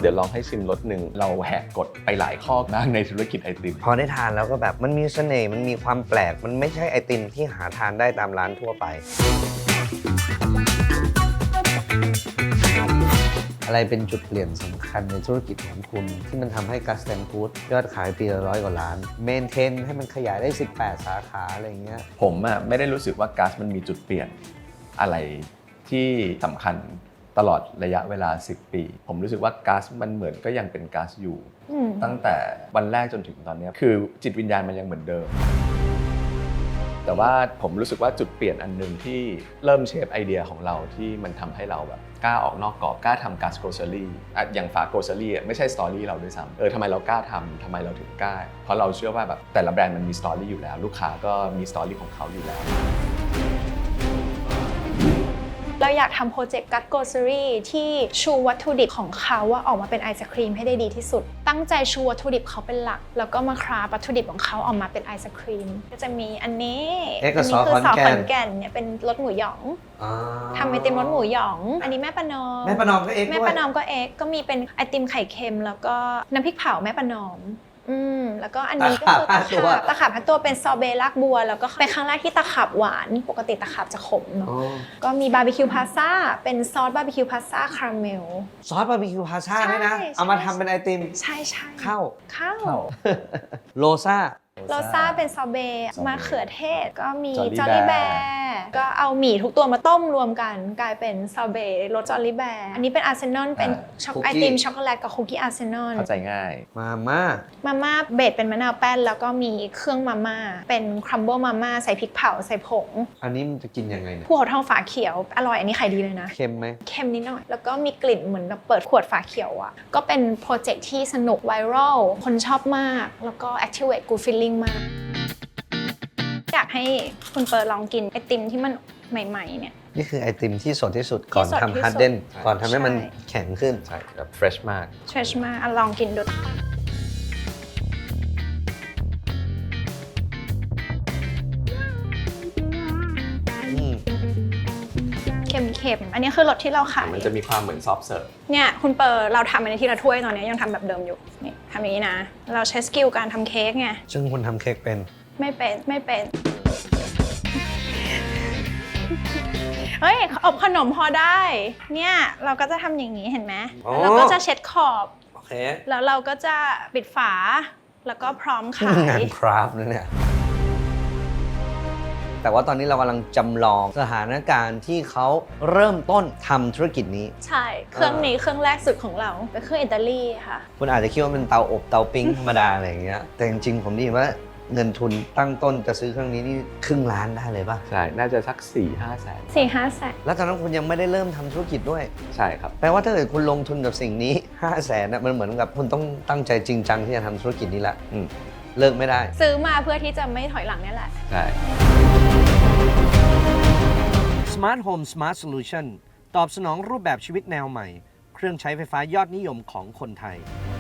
เดี๋ยวลองให้ชิมรสหนึ่งเราแหกกฎไปหลายข้อมากในธุรกิจไอติมพอได้ทานแล้วก็แบบมันมีเสน่ห์มันมีความแปลกมันไม่ใช่ไอติมที่หาทานได้ตามร้านทั่วไปอะไรเป็นจุดเปลี่ยนสำคัญในธุรกิจของคุณที่มันทำให้กัสแตนฟู้ดยอดขายปีละ100 กว่าล้านเมนเทนให้มันขยายได้18 สาขาอะไรอย่างเงี้ยผมไม่ได้รู้สึกว่ากัสมันมีจุดเปลี่ยนอะไรที่สำคัญตลอดระยะเวลา10 ปีผมรู้สึกว่ากัสมันเหมือนก็ยังเป็นกัสอยู่ตั้งแต่วันแรกจนถึงตอนนี้คือจิตวิญญาณมันยังเหมือนเดิมแต่ว่าผมรู้สึกว่าจุดเปลี่ยนอันนึงที่เริ่มเชฟไอเดียของเราที่มันทำให้เราแบบกล้าออกนอกกรอบกล้าทำกัสโกลเซอรี่อย่างฝาโกลเซอรี่ไม่ใช่สตอรี่เราด้วยซ้ำทำไมเรากล้าทำทำไมเราถึงกล้าเพราะเราเชื่อว่าแบบแต่ละแบรนด์มันมีสตอรี่อยู่แล้วลูกค้าก็มีสตอรี่ของเขาอยู่แล้วเราอยากทำโปรเจกต์กัสโกลเซอรี่ที่ชูวัตถุดิบของเขาว่าออกมาเป็นไอศครีมให้ได้ดีที่สุดตั้งใจชูวัตถุดิบเขาเป็นหลักแล้วก็มาคราฟวัตถุดิบของเขาออกมาเป็นไอศครีมก็จะมีอันนี้คือซอสขอนแก่นเนี่ยเป็นรสหมูหยองทำไอติมรสหมูหยองอันนี้แม่ประนอมก็เอ็กแม่ประนอมก็เอ็กก็มีเป็นไอติมไข่เค็มแล้วก็น้ำพริกเผาแม่ประนอมแล้วก็อันนี้ก็คือตะขาบพัดตัวเป็นซอเบต์รากบัวแล้วก็เป็นครั้งแรกที่ตะขาบหวานปกติตะขาบจะขมเนาะก็มีบาร์บีคิวพาซ่าเป็นซอสบาร์บีคิวพาซ่าคาราเมลซอสบาร์บีคิวพาซ่าด้วยนะเอามาทำเป็นไอติมใช่ข้าวโลซ่าเป็นซอเบต์มะเขือเทศก็มีจอลลี่แบร์ก็เอาหมี่ทุกตัวมาต้มรวมกันกลายเป็นซอเบต์รสจอลลี่แบร์อันนี้เป็นอาร์เซนอลเป็นไอติมช็อกโกแลตกับคุกกี้อาร์เซนอลเข้าใจง่ายมาม่าเบสเป็นมะนาวแป้นแล้วก็มีเครื่องมาม่าเป็นครัมเบิลมาม่าใส่พริกเผาใส่ผงอันนี้มันจะกินยังไงเนี่ยภูเขาทองฝาเขียวอร่อยอันนี้ขายดีเลยนะเค็มไหมเค็มนิดหน่อยแล้วก็มีกลิ่นเหมือนแบบเปิดขวดฝาเขียวอ่ะก็เป็นโปรเจกต์ที่สนุกไวรัลคนชอบมากแล้วก็ activate good feeling มากอยากให้คุณเปิดลองกินไอติมที่มันใหม่ๆเนี่ยนี่คือไอติมที่สดที่สุดก่อนทำฮาร์ดเดนก่อนทำให้มันแข็งขึ้นใช่แบบ fresh มากลองกินดูเค็มอันนี้คือรสที่เราขายมันจะมีความเหมือนซอฟต์เสิร์ฟเนี่ยคุณเปิดเราทำอันนี้ทีละถ้วยตอนนี้ยังทำแบบเดิมอยู่นี่ทำอย่างนี้นะเราใช้สกิลการทำเค้กไงซึ่งคุณทำเค้กเป็นไม่เป็นเฮ้ยอบขนมพอได้เนี่ยเราก็จะทำอย่างนี้เห็นไหมเราก็จะเช็ดขอบแล้วเราก็จะปิดฝาแล้วก็พร้อมขายงานคราฟต์นะเนี่ยแต่ว่าตอนนี้เรากำลังจำลองสถานการณ์ที่เขาเริ่มต้นทำธุรกิจนี้ใช่เครื่องนี้เครื่องแรกสุดของเราเป็นเครื่องอิตาลีค่ะคุณอาจจะคิดว่าเป็นเตาอบเตาปิ้งธรรมดาอะไรอย่างเงี้ยแต่จริงๆผมได้ยินว่าเงินทุนตั้งต้นจะซื้อเครื่องนี้นี่ครึ่งล้านได้เลยป่ะใช่น่าจะสัก 4-5 แสนแล้วตอนนั้นคุณยังไม่ได้เริ่มทำธุรกิจด้วยใช่ครับแปลว่าถ้าเกิดคุณลงทุนกับสิ่งนี้5 แสนนะมันเหมือนกับคุณต้องตั้งใจจริงจังที่จะทำธุรกิจนี้ละเลิกไม่ได้ซื้อมาเพื่อที่จะไม่ถอยหลังนี่แหละใช่ Smart Home Smart Solution ตอบสนองรูปแบบชีวิตแนวใหม่เครื่องใช้ไฟฟ้ายอดนิยมของคนไทย